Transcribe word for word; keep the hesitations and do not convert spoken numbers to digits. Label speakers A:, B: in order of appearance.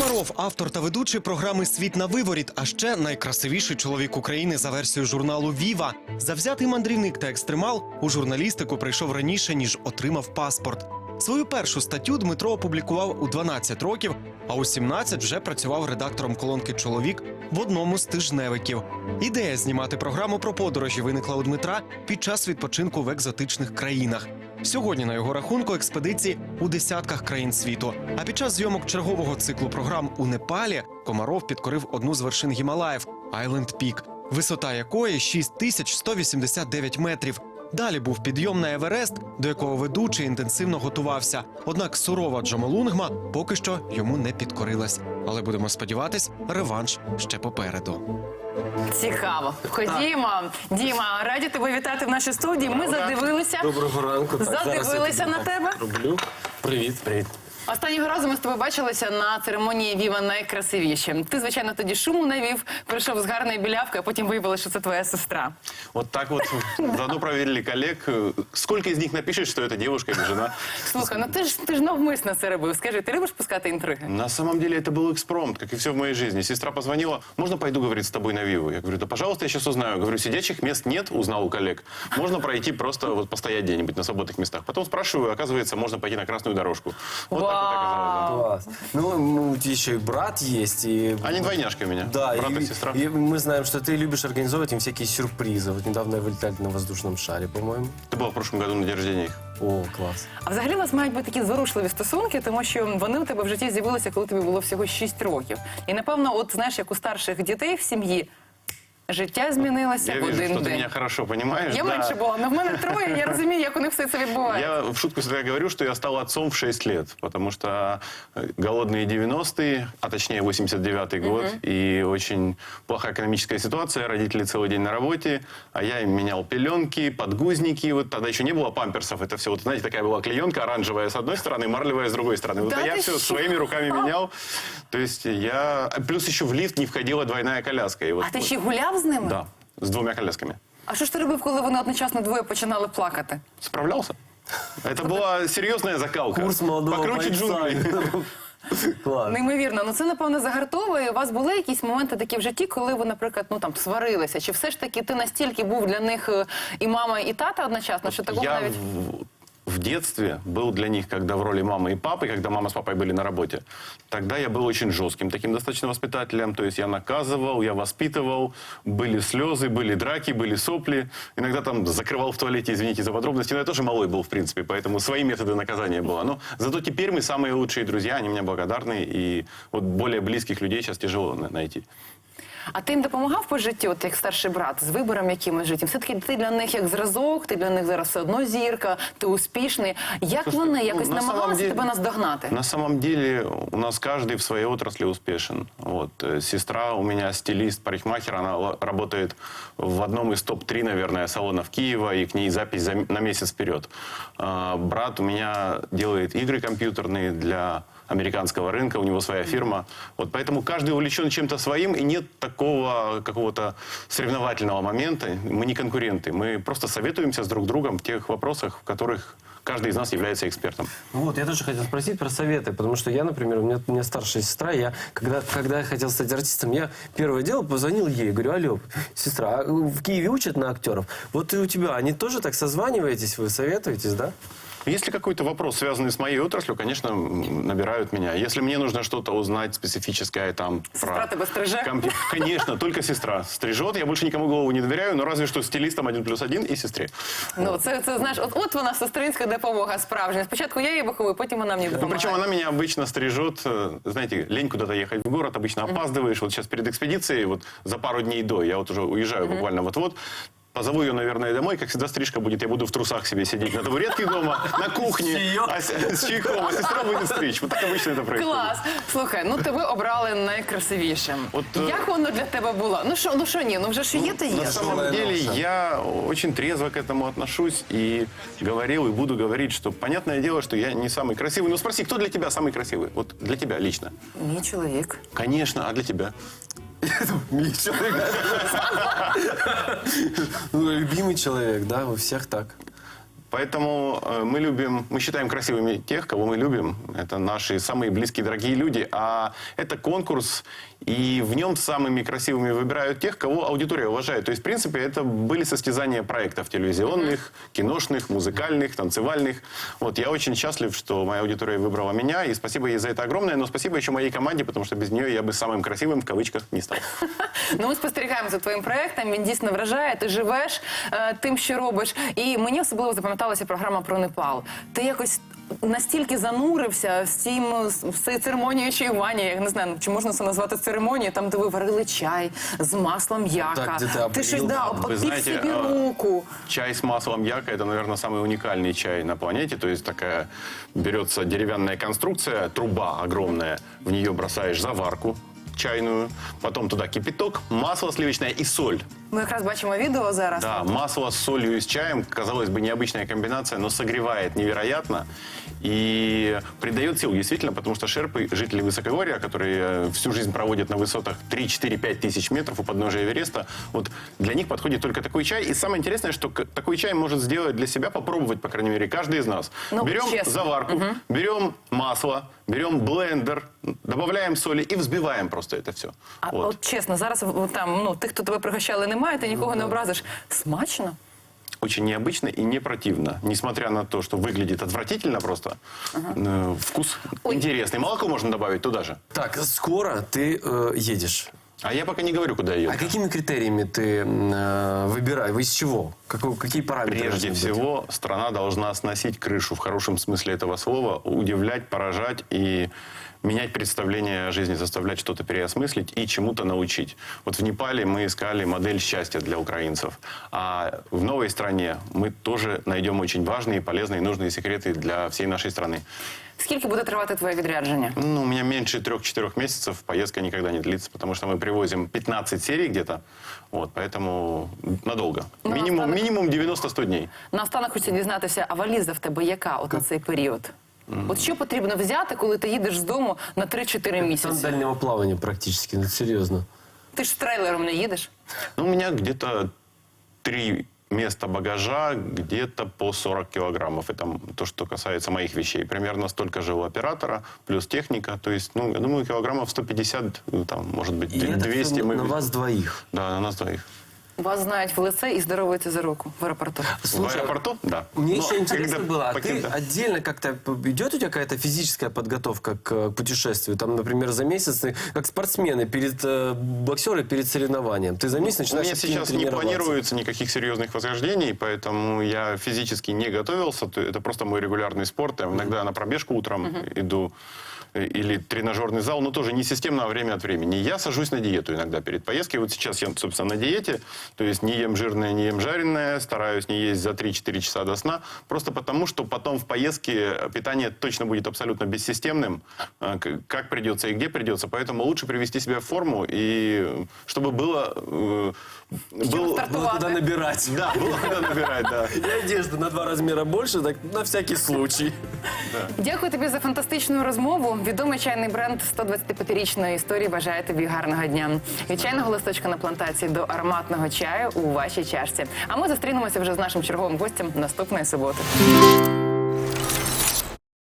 A: Комаров – автор та ведучий програми «Світ на виворіт», а ще найкрасивіший чоловік України за версією журналу «Віва». Завзятий мандрівник та екстремал у журналістику прийшов раніше, ніж отримав паспорт. Свою першу статтю Дмитро опублікував у дванадцять років, а у сімнадцять вже працював редактором колонки «Чоловік» в одному з тижневиків. Ідея знімати програму про подорожі виникла у Дмитра під час відпочинку в екзотичних країнах. Сьогодні на його рахунку експедиції у десятках країн світу. А під час зйомок чергового циклу програм у Непалі Комаров підкорив одну з вершин Гімалаїв – Айленд Пік, висота якої шість тисяч сто вісімдесят дев'ять метрів. Далі був підйом на Еверест, до якого ведучий інтенсивно готувався. Однак сурова Джомолунгма поки що йому не підкорилась. Але будемо сподіватись, реванш ще попереду.
B: Цікаво. Ходімо. Діма, раді тебе вітати в нашій студії. Ми задивилися.
C: Доброго ранку. Так,
B: задивилися на тебе.
C: Роблю. Привіт, привіт.
B: Останнього разу ми з тобою бачилися на церемонії «Віва найкрасивіші». Ти, звичайно, тоді шуму навів, прийшов з гарною білявкою, а потім виявилося, що це твоя сестра.
D: Вот так вот заодно проверили коллег. Сколько из них напишет, что это девушка или жена?
B: Слухай, ну ти ж, ти ж навмисно це робив. Скажи, ти любиш пускати інтриги?
D: На самом деле это был экспромт, как и все в моей жизни. Сестра позвонила, можно пойду, говорит, с тобой на Виву? Я говорю, да пожалуйста, я сейчас узнаю. Говорю, сидячих мест нет, узнал у коллег. Можно пройти просто вот постоять где-нибудь на свободных местах. Потом спрашиваю, оказывается, можно пойти на красную дорожку. Вот так вот оказалось. Да.
C: Класс. Ну, у тебя еще и брат есть. И...
D: Они двойняшки у меня,
C: да,
D: брат и,
C: и
D: сестра.
C: И мы знаем, что ты любишь организовывать им всякие сюрпризы. Вот недавно вылетали на воздушном шаре, по-моему.
D: Ты была в прошлом году на день рождения их.
C: О, клас.
B: А взагалі у вас мають бути такі зворушливі стосунки, тому що вони у тебе в житті з'явилися, коли тобі було всього шість років. І, напевно, от знаєш, як у старших дітей в сім'ї, життя змінилося
D: Я
B: в один
D: вижу, что
B: день.
D: ты меня хорошо понимаешь.
B: Я
D: да.
B: менше була, але в мене троє, я розумію, як у них все це відбувається.
D: Я в шутку всегда говорю, что я стал отцом в шесть лет, потому что голодные девяностые, а точнее восемьдесят девятый год, uh-huh. и очень плохая экономическая ситуация, родители целый день на работе, а я им менял пеленки, подгузники, вот тогда еще не было памперсов, это все, вот знаете, такая была клеенка оранжевая с одной стороны, марлевая с другой стороны. Вот
B: да
D: я все
B: что?
D: своими руками менял, то есть я... Плюс еще в лифт не входила двойная коляска. И вот,
B: А ти
D: вот,
B: ще гуляв з ними?
D: да, с двумя колясками.
B: А що ж ти робив, коли вони одночасно двоє починали плакати?
D: Справлялся. Это была серьезная закалка.
C: Курс молодого
D: Покруче джунглей.
C: Клас.
B: Неймовірно. Ну це, напевно, загартовує. У вас були якісь моменти такі в житті, коли ви, наприклад, ну там сварилися? Чи все ж таки ти настільки був для них е, і мама, і тата одночасно, що такого
D: Я
B: навіть...
D: в, в детстве был для них, когда в роли мамы и папы, когда мама с папой были на работе, тогда я был очень жестким таким достаточно воспитателем. То есть я наказывал, я воспитывал, были слезы, были драки, были сопли. Иногда там закрывал в туалете, извините за подробности, но я тоже малой был, в принципе, поэтому свои методы наказания было. Но зато теперь мы самые лучшие друзья, они мне благодарны, и вот более близких людей сейчас тяжело найти.
B: А ти їм допомагав по житті, от як старший брат, з вибором якимось життя? Все-таки ти для них як зразок, ти для них зараз все одно зірка, ти успішний. Як
D: Слушайте,
B: вони якось
D: ну, на
B: намагалися
D: самом деле-
B: тебе наздогнати?
D: На самом деле у нас каждый в своей отрасли успешен. Вот. э, Сестра у меня стилист, парикмахер, она ла- работает в одном из топ три, наверное, салонов Киева, и к ней запись за м- на месяц вперед. А, брат у меня делает игры компьютерные для американского рынка, у него своя фирма. Вот поэтому каждый увлечен чем-то своим, и нет такого какого-то соревновательного момента. Мы не конкуренты, мы просто советуемся с друг другом в тех вопросах, в которых каждый из нас является экспертом.
C: Вот, я тоже хотел спросить про советы, потому что я, например, у меня, у меня старшая сестра, я, когда, когда я хотел стать артистом, я первое дело позвонил ей, говорю, алло, сестра, а в Киеве учат на актеров? Вот и у тебя, они тоже так созваниваетесь, вы советуетесь, да?
D: Если какой-то вопрос, связанный с моей отраслью, конечно, м, набирают меня. Если мне нужно что-то узнать специфическое там...
B: Сестра тебя стриже?
D: компью- Конечно, только сестра стрижет. Я больше никому голову не доверяю, но разве что стилистам один плюс один и сестре.
B: Ну, це, це знаєш, от, от вона сестринська допомога справжня. Спочатку я її виховую, потім вона мені
D: Ну,
B: допомагає.
D: причем она меня обычно стрижет, э, знаете, лень куда-то ехать в город, обычно опаздываешь. Вот сейчас перед экспедицией, вот за пару дней до, я вот уже уезжаю буквально вот-вот, позову ее, наверное, домой, как всегда стрижка будет, я буду в трусах себе сидеть на табуретке дома, на кухне, а с, с чайком, а сестра будет стричь. Вот так обычно это происходит.
B: Клас! Слухай, ну тебе обрали найкрасивішим.
D: От, е,
B: Як воно для тебе було? Ну що, ну що ні, ну вже ж є, то є.
D: На самом деле я очень трезво к этому отношусь и говорил, и буду говорить, что понятное дело, что я не самый красивый. Ну спроси, кто для тебя самый красивый? Вот для тебя лично.
B: Мій чоловік.
D: Конечно, а для тебя?
C: Мій чоловік. Ну, любимый человек, да, у всех так.
D: Поэтому э, мы любим, мы считаем красивыми тех, кого мы любим. Это наши самые близкие, дорогие люди. А это конкурс, и в нем самыми красивыми выбирают тех, кого аудитория уважает. То есть, в принципе, это были состязания проектов телевизионных, киношных, музыкальных, танцевальных. Вот, я очень счастлив, что моя аудитория выбрала меня, и спасибо ей за это огромное, но спасибо еще моей команде, потому что без нее я бы самым красивым, в кавычках, не стал.
B: Ну, ми спостерігаємо за твоїм проектом, він дійсно вражає, ти живеш е, тим, що робиш. І мені особливо запам'яталася програма про Непал. Ти якось настільки занурився в цім, в цій церемонії чаювання, я не знаю, чи можна це назвати церемонією, там, де ви варили чай з маслом яка.
C: Так, де ти
B: ти щось,
C: облив.
B: да,
D: Вы
B: обпік
D: знаете,
B: собі
D: э,
B: руку.
D: чай с маслом яка – это, наверное, самый уникальный чай на планете. То есть такая берется деревянная конструкция, труба огромная, в нее бросаешь заварку чайную, потом туда кипяток, масло сливочное и соль.
B: Ми якраз бачимо відео зараз.
D: Да, масло с солью и с чаем, казалось бы, необычная комбинация, но согревает невероятно и придает сил, действительно, потому что шерпы, жители Высокогорья, которые всю жизнь проводят на высотах три, четыре, пять тысяч метров у подножия Эвереста, вот для них подходит только такой чай. И самое интересное, что к- такой чай может сделать для себя, попробовать, по крайней мере, каждый из нас.
B: Ну,
D: берем
B: честно.
D: заварку, берем масло, берем блендер, добавляем соли и взбиваем просто это все.
B: А
D: Вот.
B: от чесно, зараз в- там, ну, тих, хто тебе пригощали, немає, ти нікого не образиш. Смачно?
D: Очень необычно и не противно. Несмотря на то, что выглядит отвратительно просто, э, вкус
B: Ой.
D: интересный. Молоко можно добавить туда же.
C: Так, скоро ты э, едешь.
D: А я пока не говорю, куда я еду.
C: А какими критериями ты э, выбираешь? Вы из чего? Какой- какие параметры?
D: Прежде
C: должны быть?
D: всего, страна должна сносить крышу в хорошем смысле этого слова, удивлять, поражать и менять представление о жизни, заставлять что-то переосмыслить и чему-то научить. Вот в Непале мы искали модель счастья для украинцев. А в новой стране мы тоже найдем очень важные, полезные и нужные секреты для всей нашей страны.
B: Скільки буде тривати твоє відрядження?
D: Ну, у меня меньше трех-четырех месяцев поездка никогда не длится, потому что мы привозим пятнадцать серий где-то, вот, поэтому надолго.
B: Ну,
D: Минимум,
B: останок-
D: минимум девяносто-сто дней.
B: Наостанок хочу дізнатися, а валіза в тебе яка от на цей період? От що потрібно взяти, коли ти їдеш з дому на три-чотири
C: Там
B: місяці?
C: дальнего плавания практически, ну серьезно.
B: Ти ж з трейлером не їдеш?
D: Ну, у меня где-то три места багажа, где-то по сорок килограммов. Это то, что касается моих вещей. Примерно столько же у оператора, плюс техника. То есть, ну, я думаю, килограммов сто пятьдесят, ну, там, может быть,
C: И это
D: двести.
C: всё
D: мы
C: на
D: везем.
C: вас двоих.
D: Да, на нас двоих.
B: Вас знають в лице і здоровуються за руку в аеропорту.
D: в аэропорту? Да.
C: Мне
D: Но
C: еще интересно
D: когда
C: было, а ты
D: покинем-
C: отдельно как-то идет у тебя какая-то физическая подготовка к э, путешествию? Там, например, за месяц, ты, как спортсмены, перед э, боксеры перед соревнованием. Ты за месяц
D: У
C: начинаешь
D: меня
C: активно
D: сейчас не
C: тренироваться.
D: планируется никаких серьезных восхождений, поэтому я физически не готовился. То Это просто мой регулярный спорт. Я иногда на пробежку утром иду э, или тренажерный зал, но тоже не системно, а время от времени. Я сажусь на диету иногда перед поездкой. Вот сейчас я, собственно, на диете, то есть не ем жирное, не ем жареное, стараюсь не есть за три-четыре часа до сна, просто потому, что потом в поездке питание точно будет абсолютно бессистемным, э, к- как придется и где придется, поэтому лучше привести себя в форму, и чтобы было... э, был-
C: Было
B: стартовать.
C: куда набирать.
D: Да, было куда набирать, да.
C: И одежда на два размера больше, так на всякий случай.
B: Дякую тобі за фантастичну розмову. Відомий чайний бренд сто двадцятип'ятирічної історії бажає тобі гарного дня. Від чайного листочка на плантації до ароматного чаю у вашій чашці. А ми зустрінемося вже з нашим черговим гостем наступної суботи.